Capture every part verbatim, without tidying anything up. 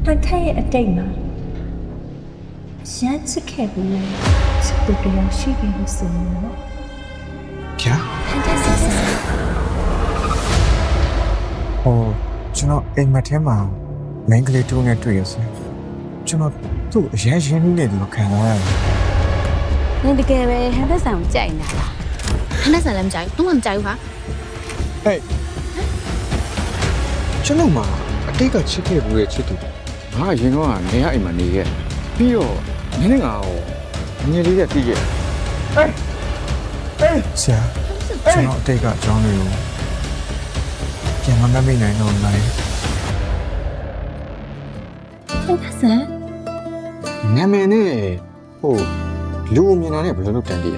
န်ထက်ရဲ့အတိတ်မှာရမ်းချစ်ခဲ့ပြီးစတူဒီယိုရှိခဲ့လို့ဆိုရင်တော့ဗျာဟန်ထက်ဆက်ဆက်ဟိုကျွန်တော်အိမ်မက်ထဲမှာမင်းကလေးတူနဲ့တွေ့ရစကျွန်တော်သူ့အရင်ရင်းနှီးနေတယ်လို့ခံစားရတယ်နင်တကယ်ပဲဟန်သက်ဆိုင်ကိုကြိုက်နေတာလားဟန်သက်ဆိုင်လည်းမကြိုက်ဘူးတော့မှမကြိုက်ဘူးဟာဟဲ့ကျွန်တော်မှာအတိတ်ကချစ်ခဲ့ဘူးရဲ့ချစ်သူငါအရင်ကနေရအိမ်မှာနေခဲ့ပြီးတော့နင်းနေငါကိုငယ်လေးနဲ့တည်ခဲ့ဟေးဟေးဆရာကျွန်တော်အတိတ်ကအကြောင်းတွေကိုပြန်မမမိနိုင်တော့လားဟန်ထက်ဆက်နာမည်နဲ့ဟိုလူအမြင်တာနဲ့ဘယ်လိုလုပ်တန်တည်လဲ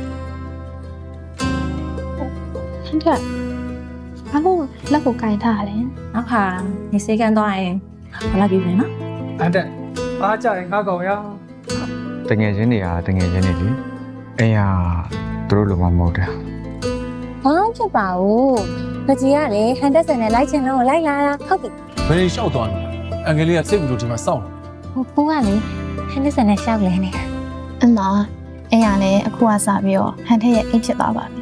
ဟန်ထက်ဘာလို့လက်ကိုကင်ထားလဲနောက်ခါနေစေးကန်သွားရင်ဘာလာပြီလဲနော်အဲ့တဲ့အားကြရင်ငါကောင်ရတငယ်ချင်းတွေကတငယ်ချင်းတွေလေအဲ့ဟာသူတို့လိုမှမဟုတ်တာဘာမှဖြစ်ပါဘူးငကြီးကလေဟန်သက်ဆိုင်နဲ့လိုက်ချင်တော့လိုက်လာတာဟုတ်ပြီဘယ်လျှောက်သွားလဲအငယ်လေးကစိတ်ကူလို့ဒီမှာစောင့်ဟိုဖူးကလေဟန်သက်ဆိုင်နဲ့ရှောက်လဲနေတာအမအဲ့ရလဲအခုကစပြီးတော့ဟန်ထက်ရဲ့အိတ်ဖြစ်သွားပါပြီ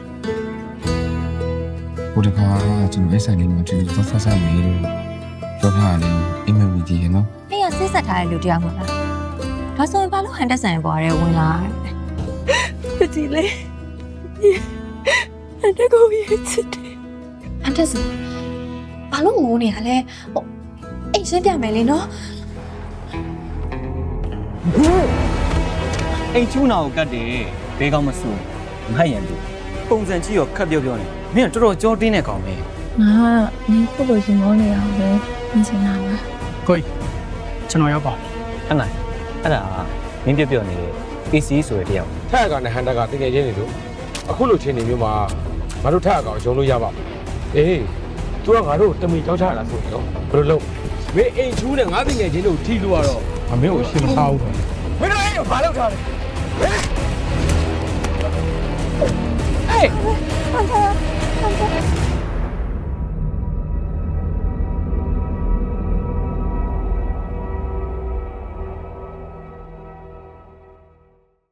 ဟိုတခါကျွန်တော် S I လေးမှာတူသွားဆက်ဆက်နေလို့ပြောပြရတယ်အိမ်မမီဒီရနော်အဲ့ရစိတ်ဆက်ထားတဲ့လူတယောက်မလားဒါဆိုရင်ဘာလို့ဟန်တက်ဆိုင်ပေါ်ရဲဝင်လာတယ်ဒီလေဟန်တက်ကိုရချစ်တယ်ဟန်ထက်စဘာလို့ငိုနေရလဲဟိုအိတ်ရှင်းပြမယ်လေနော်အိမ်ချူးနာကိုကတ်တယ်ဘေးကောင်းမဆူမဟတ်ရန်သူပုံစံကြည့်ရောခက်ပြောပြောနေမင်းကတော်တော်ကြောတင်းတဲ့ကောင်ပဲငါကနင်းခုလိုရှင်မောနေအောင်ပဲမြင်ချင်တာပါကိုကျွန်တော်ရောက်ပါဟဲ့နိုင်အဲ့ဒါမင်းပြောပြောနေတဲ့ A C ဆိုတဲ့တယောက်ထက်အကောင်နဲ့ဟန်တာကတကယ်ချင်းနေလို့အခုလိုချင်းနေမျိုးမှာငါတို့ထက်အကောင်ရုံလို့ရပါမယ်အေး तू ကငါတို့တမီကြောက်ချတာဆိုတော့ဘယ်လိုလုပ်မင်းအိမ်ချူးနဲ့ငါတကယ်ချင်းတို့ထီလို့ရတော့အမေကိုအရှင်းမထားဘူးတော့မင်းတို့အဲ့ဘာလုပ်ထားလဲဟဲ့အေးဟန်တက်ဟန်တက်